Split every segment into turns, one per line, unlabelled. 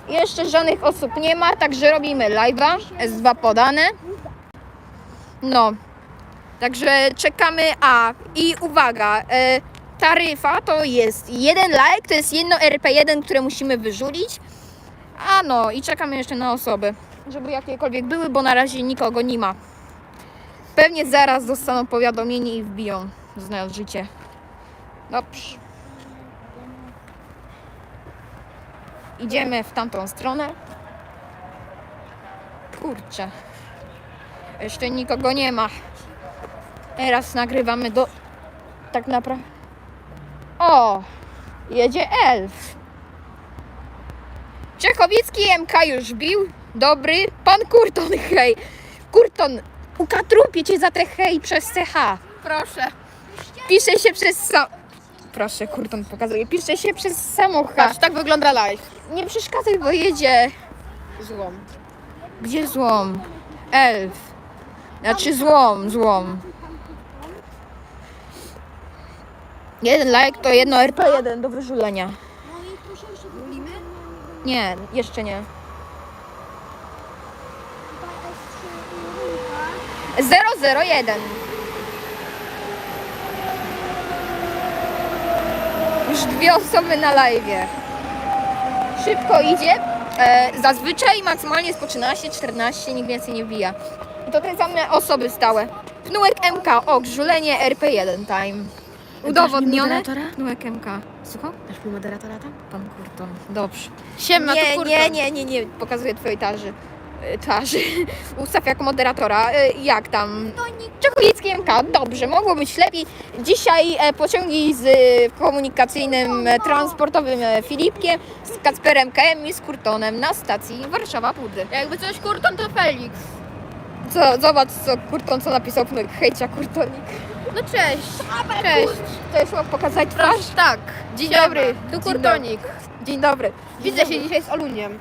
Jeszcze żadnych osób nie ma, także robimy live'a. S2 podane. No. Także czekamy. I uwaga. Taryfa to jest 1 like, to jest jedno RP1, które musimy wyrzulić. No i czekamy jeszcze na osoby, żeby jakiekolwiek były, bo na razie nikogo nie ma. Pewnie zaraz dostaną powiadomienie i wbiją, znając życie. Dobrze. Idziemy w tamtą stronę. Kurczę. Jeszcze nikogo nie ma. Teraz nagrywamy tak naprawdę. O! Jedzie elf. Czechowicki MK już bił. Dobry. Pan Kurton, hej. Kurton, ukatrupię cię za te hej przez CH.
Proszę.
Pisze się przez Proszę, Kurton pokazuje. Pisze się przez samochód.
Patrz, tak wygląda live.
Nie przeszkadzaj, bo jedzie.
Złom.
Gdzie złom? Elf. Znaczy złom. 1 like to jedno RP1 do wyżulenia. Nie, jeszcze nie. 001. Już 2 osoby na live'ie. Szybko idzie. Zazwyczaj maksymalnie jest po 13, 14, nikt więcej nie wbija. I to te same osoby stałe. Pnułek MK, żulenie RP1 time. Udowodnione. Pnułek MK. Słucham?
Dasz mi moderatora tam?
Pan Kurton. Dobrze.
Siema, to Kurton.
Nie. Pokazuję twojej twarzy. Ustaw jako moderatora. Jak tam? Czechowicki MK. Dobrze, mogło być lepiej. Dzisiaj pociągi z komunikacyjnym, transportowym Filipkiem, z Kacperem KM i z Kurtonem na stacji Warszawa-Pudy.
Jakby coś Kurton, to Felix.
Zobacz, co Kurton napisał. Hejcia, Kurtonik.
No cześć. Cześć.
Chcesz mu pokazać twarz?
Tak. Dzień dobry. Tu
Dzień
Kurtonik.
Dzień dobry.
Widzę się dzisiaj z Oluniem.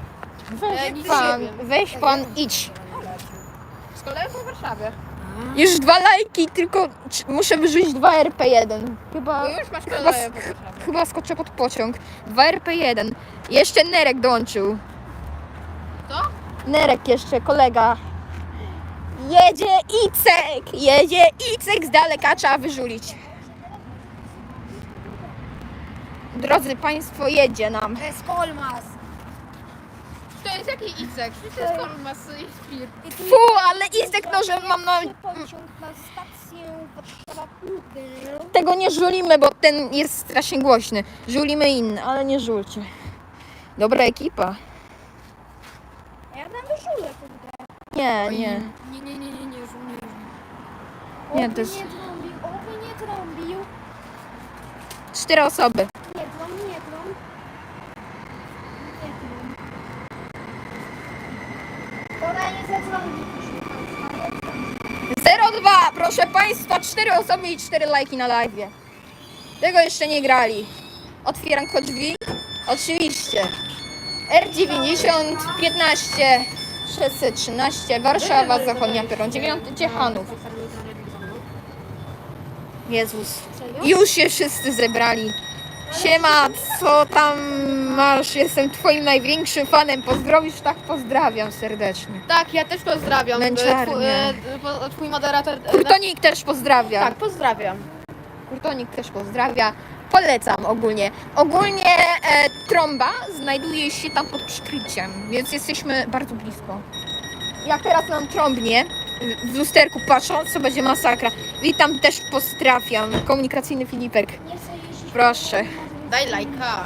Weź pan, idź.
Z kolegą po Warszawie.
Już 2 lajki, tylko muszę wyrzucić 2 RP1.
Bo już masz kolegę po Warszawie.
Chyba skoczę pod pociąg. 2 RP1. Jeszcze Nerek dołączył.
Co?
Nerek jeszcze, kolega. Jedzie Icek z daleka, trzeba wyżulić. Drodzy Państwo, jedzie nam.
To jest Kolmas.
To jest jaki Icek? To jest Kolmas i Spir.
Fu, ale Icek no, że mam na...
Pociąg na stację Warszawa-Pudy.
Tego nie żulimy, bo ten jest strasznie głośny. Żulimy inny, ale nie żulcie. Dobra ekipa.
Ja tam wyżulę kurde.
Nie.
Nie,
Nie, to jest...
Oby nie trąbił.
4 osoby.
Nie trąb. Ona nie zatrąbi.
02, proszę Państwa, 4 osoby i 4 lajki na live. Tego jeszcze nie grali. Otwieram kod drzwi. Oczywiście. R90 15 613 Warszawa, Zachodnia Peron 9 Ciechanów. Jezus. Już się wszyscy zebrali. Siema, co tam masz? Jestem twoim największym fanem. Pozdrowisz? Tak, pozdrawiam serdecznie.
Tak, ja też pozdrawiam.
Męczarnia.
Twój moderator...
Kurtonik też pozdrawia.
Tak, pozdrawiam.
Kurtonik też pozdrawia. Polecam ogólnie. Ogólnie trąba znajduje się tam pod przykryciem, więc jesteśmy bardzo blisko. Jak teraz nam trąbnie, w lusterku patrząc, to będzie masakra. Witam, też pozdrawiam. Komunikacyjny Filipek. Proszę.
Daj lajka.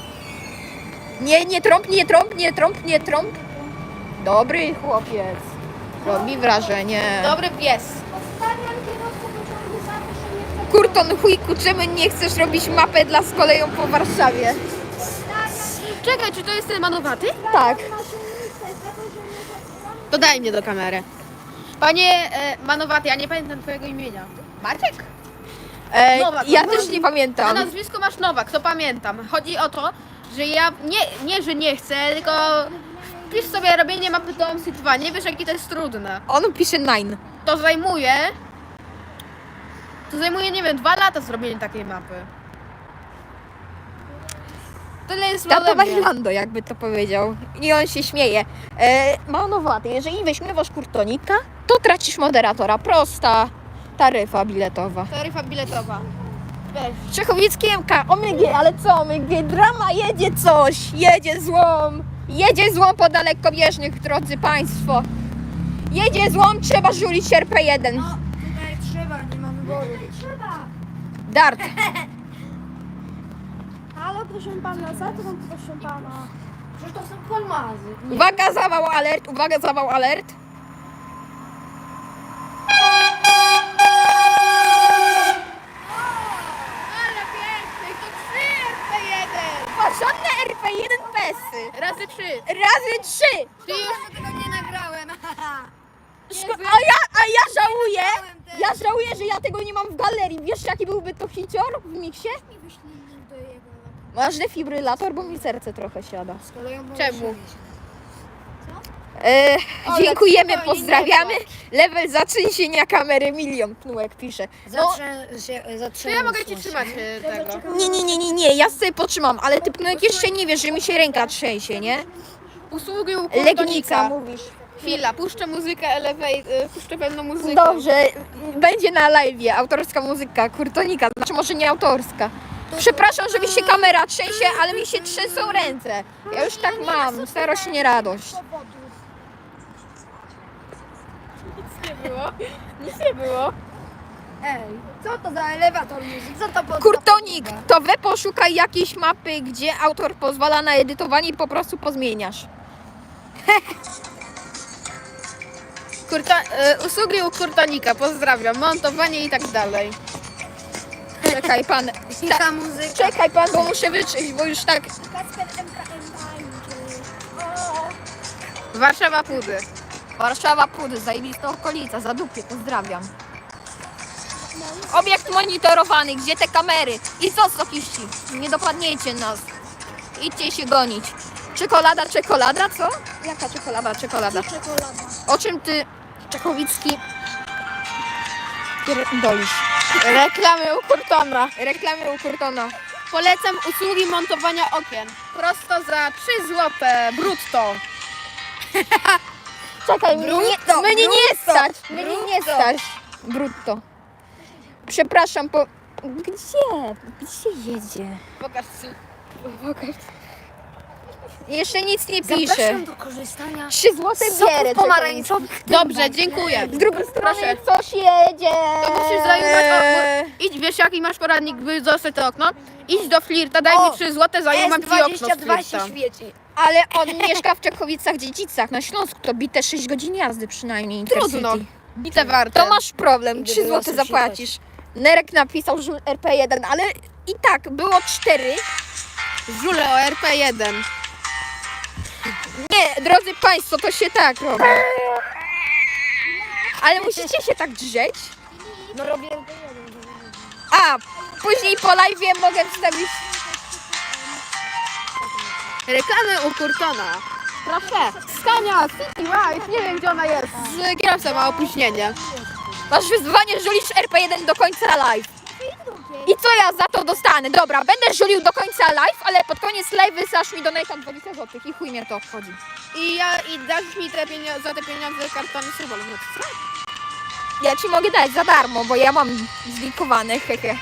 Nie trąb. Dobry chłopiec. Robi wrażenie.
Dobry pies.
Zostawiam kierowcę pociągu za to, że nie chce.
Kurton, chujku, czemu nie chcesz robić mapę dla z koleją po Warszawie?
Czekaj, czy to jest ten manowaty?
Tak.
To daj mnie do kamery. Panie Manowaty, ja nie pamiętam twojego imienia. Maciek? Nowak,
Ja
Nowak.
też nie
Na
pamiętam.
nazwisko masz Nowak, to pamiętam. Chodzi o to, że ja nie, że nie chcę, tylko wpisz sobie robienie mapy do City 2. Nie wiesz, jakie to jest trudne.
On pisze 9.
To zajmuje, nie wiem, 2 lata zrobienie takiej mapy. Tyle jest
Tato
ode mnie.
Bailando, jakby to powiedział. I on się śmieje. Manowaty, jeżeli weźmiewasz kurtonika, to tracisz moderatora. Prosta taryfa biletowa.
Taryfa biletowa. Weź.
Czechowicki MK, OMG, ale co OMG? Drama, jedzie coś, jedzie złom. Jedzie złom po dalekobieżnych, drodzy Państwo. Jedzie złom, trzeba żulić RP1.
Tutaj trzeba, nie ma wyboru. Trzeba.
Dart.
Halo, proszę pana, za to mam proszę pana. Przecież to są kolmazy.
Uwaga, zawał alert, uwaga, zawał alert.
Ale piękny, to 3 RP1.
Porządne RP1 pesy.
Razy 3.
Razy 3.
Ty już
Tego nie nagrałem.
A ja żałuję, że ja tego nie mam w galerii. Wiesz, jaki byłby to hicior w miksie?
Nie wyślij link do jego.
Masz defibrylator, bo mi serce trochę siada.
Z koleją
Czemu?
E, dziękujemy,
spokojnie,
pozdrawiamy.
nie
Level zatrzęsienia kamery 1 000 000, Pnułek pisze. No,
To ja mogę ci trzymać tego.
nie, ja sobie potrzymam, ale ty Pnułek jeszcze nie wiesz, że mi się ręka trzęsie, nie?
Usługi u
Legnica
kurtonika.
mówisz.
Chwila, puszczę muzykę, puszczę pewną muzykę.
Dobrze, będzie na live'ie autorska muzyka Kurtonika, znaczy może nie autorska. Przepraszam, że mi się kamera trzęsie, ale mi się trzęsą ręce. Ja już tak mam, starość nie radość.
Nic nie było. Nic nie było.
Ej, co to za elewator muzyk? Co to pod...
Kurtonik, to we poszukaj jakiejś mapy, gdzie autor pozwala na edytowanie i po prostu pozmieniasz.
Usługi u kurtonika, pozdrawiam, montowanie i tak dalej.
Czekaj pan,
Ta muzyka.
czekaj pan, bo muszę wyczyść, bo już tak...
Kacper MKM tańczy.
Warszawa Pudy.
Warszawa Pudy, zajebista okolica, Zadupie, pozdrawiam. Obiekt monitorowany, gdzie te kamery? I co, sokiści? Nie dopadniecie nas. Idźcie się gonić. Czekolada, co? Jaka czekolada?
Czekolada.
O czym ty, Czechowicki, dolisz?
Reklamy u Kurtona.
Reklamy u Kurtona.
Polecam usługi montowania okien. Prosto za 3 złote brutto.
Czekaj,
Brutto,
mnie nie
brutto,
stać. Mnie nie
brutto.
stać. Brutto. Przepraszam, Gdzie jedzie?
Pokaż ci.
Jeszcze nic nie pisze.
Zapraszam do korzystania
3 złote
soków
bierę.
pomarańczowych.
Dobrze, dziękuję.
Z drugiej strony
Proszę.
coś jedzie.
To musisz zajmować Idź, wiesz jaki masz poradnik, by zostać to okno? Idź do flirta, daj mi 3 złote, zajmę ci okno z
S22 się
flirta.
świeci.
Ale on mieszka w Czechowicach-Dziedzicach na Śląsku. To bite 6 godzin jazdy przynajmniej.
Trudno.
Intercity.
Bite warte.
To masz problem.
Idę
3
do
złote
lasu
zapłacisz. Nerek napisał, że RP1, ale i tak było 4.
Żule o RP1.
Nie, drodzy Państwo, to się tak robi. Ale musicie się tak drzeć.
No robię...
A, później po live'ie mogę wstawić...
Reklamy u Kurtona. Proszę. Scania City Life. Nie wiem gdzie ona jest. Z kierowcą ma opóźnienie.
Masz wyzwanie, żulisz RP1 do końca live. I co ja za to dostanę? Dobra, będę żulił do końca live, ale pod koniec live wysasz mi donate'a 20 zł i chuj mnie to obchodzi.
I dasz mi za te pieniądze kartony Subol.
Ja ci mogę dać za darmo, bo ja mam zlikowane, hehe.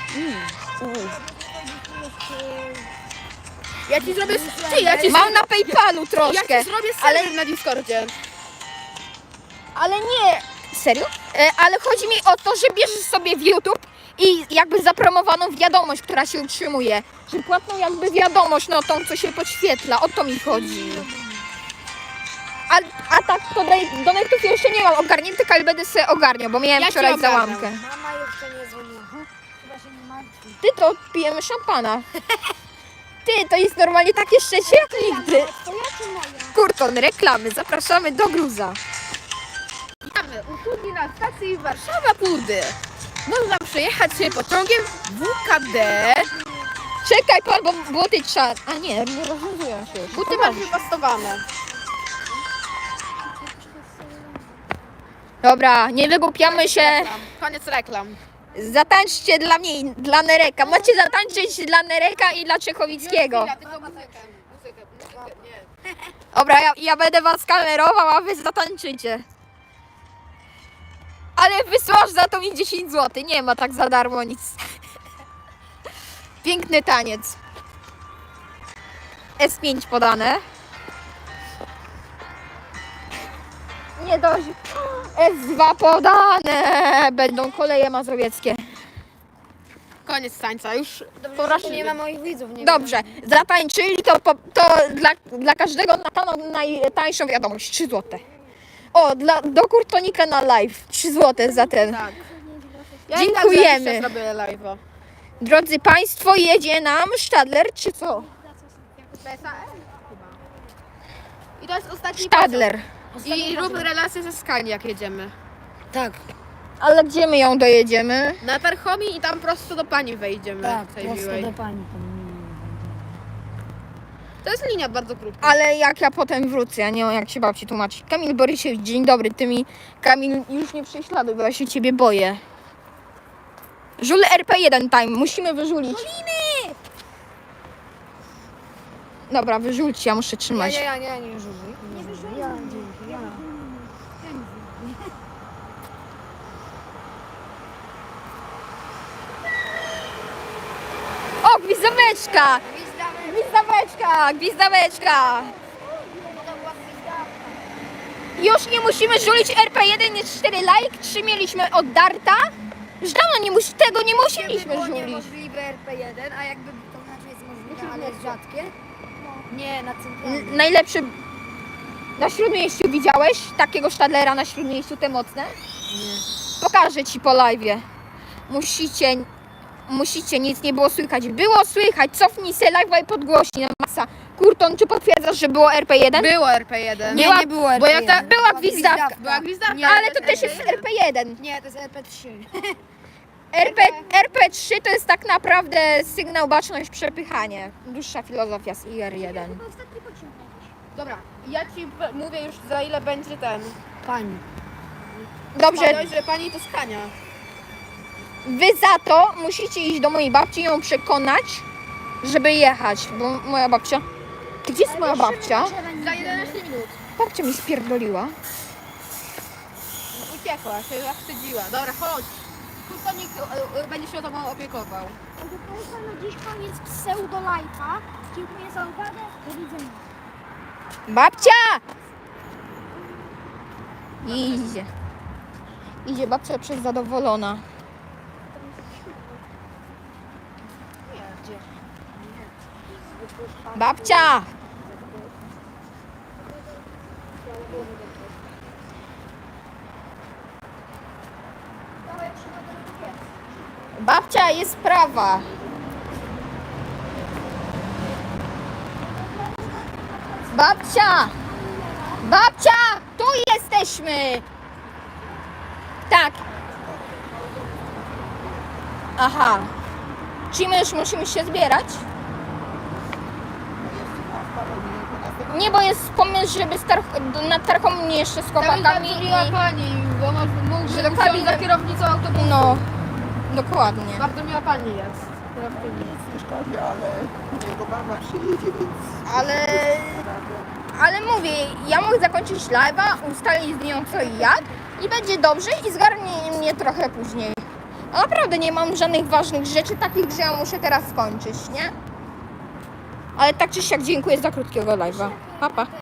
Ja ci zrobię... Ty,
Mam na PayPalu troszkę,
Ja ci zrobię serwer na Discordzie.
ale nie... Serio? Ale chodzi mi o to, że bierzesz sobie w YouTube i jakby zapromowaną wiadomość, która się utrzymuje. Że płatną jakby wiadomość, no tą, co się podświetla, o to mi chodzi. A tak to donate'ów jeszcze nie mam ogarniętych, ale będę sobie ogarniał, bo miałem
Ja ci
wczoraj
ogarniam.
załamkę.
Mama jeszcze nie dzwoniła. Chyba się nie martwi.
Ty, to pijemy szampana. Ty, to jest normalnie takie szczęście jak nigdy.
Twoja czy moja?
Kurton, reklamy, zapraszamy do Gruza.
Witamy. Usługi na stacji Warszawa Pudy. Można przejechać się pociągiem WKD.
Czekaj pan, bo buty trzeba... A nie rozwiązują się już.
Buty masz wypastowane.
Dobra, nie wygłupiamy się.
Koniec reklam.
Zatańczcie dla mnie i dla Nereka. Macie zatańczyć dla Nereka i dla Czechowickiego.
Tylko muzykę.
Dobra, ja będę was kamerował, a wy zatańczycie. Ale wysłasz za to mi 10 zł. Nie ma tak za darmo nic. Piękny taniec. S5 podane. Nie dość. S2 podane. Będą koleje mazowieckie.
Koniec tańca, już
Nie
porażliwy.
ma moich widzów, nie
Dobrze, zatańczyli to, to dla każdego na pewno najtańszą wiadomość. 3 zł. O, do Kurtonika na live. 3 zł za ten.
Tak. Ja
Dziękujemy.
I tak zrobię live'a.
Drodzy Państwo, jedzie nam Stadler, czy co?
I to jest ostatni
Stadler.
pociąg. I rób relację ze Skani, jak jedziemy.
Tak,
Ale gdzie my ją dojedziemy?
Na Tarchomi i tam prosto do pani wejdziemy.
tak,
tej
prosto
miłej.
do pani.
To jest linia bardzo krótka.
Ale jak ja potem wrócę, ja nie wiem jak się babci tłumaczyć. Kamil Borysiewicz, dzień dobry, ty mi... Kamil, już nie prześladuj, bo ja się ciebie boję. Żul RP1 time, musimy wyżulić. Dobra, wyżulcie, ja muszę trzymać.
Nie żużuj. Nie żużuj. Ja, dzięki, ja.
O, gwizdaweczka! Gwizdaweczka, gwizdaweczka! Już nie musimy żulić RP1, jest 4 like, 3 mieliśmy od Darta. Już dawno tego nie musieliśmy
Było
żulić.
niemożliwe RP1, a jakby to znaczy jest możliwe, ale jest rzadkie. Nie, na centralnym.
Najlepszy... Na Śródmieściu widziałeś takiego Stadlera na Śródmieściu, te mocne?
Nie.
Pokażę ci po live'ie. Musicie, nic nie było słychać. Było słychać, cofnij se live'a i podgłośnij na masa. Kurton, czy potwierdzasz, że było RP1?
Było RP1.
Była-
nie było RP1.
bo jak była gwizdawka.
Była gwizdawka.
Nie,
Ale to też jest RP1.
Nie, to jest RP3.
RP3 to jest tak naprawdę sygnał, baczność, przepychanie. Dłuższa filozofia z IR1.
Dobra, ja ci mówię już za ile będzie ten.
Pani.
Dobrze,
Powiedziałeś, że pani to Skania.
wy za to musicie iść do mojej babci i ją przekonać, żeby jechać, bo moja babcia... Gdzie jest moja babcia?
Za 11 minut.
Babcia mi spierdoliła.
Uciekła, się zawstydziła. Dobra, chodź. Kustonik będzie się o tobą opiekował.
Proszę Państwa, na dziś koniec pseudo life'a. Dziękuję za uwagę. Do widzenia.
Babcia! Idzie. Idzie babcia przez zadowolona. Babcia! Babcia, jest sprawa. Babcia! Babcia! Tu jesteśmy! Tak. Aha. Czy my już musimy się zbierać? Nie, bo jest pomysł, żeby na targą mnie jeszcze z chłopakami
Mówiła
i...
pani, bo mógł,
Że
że
do
chciał
kabiny-
za kierownicą autobusu.
No, dokładnie.
Bardzo miła pani jest. Kierowczyni.
Jego mama przyjedzie, więc...
Ale mówię, ja mogę zakończyć live'a, ustalić z nią co i jak i będzie dobrze i zgarnie mnie trochę później. A naprawdę nie mam żadnych ważnych rzeczy takich, że ja muszę teraz skończyć, nie? Ale tak czy siak dziękuję za krótkiego live'a. Pa, pa.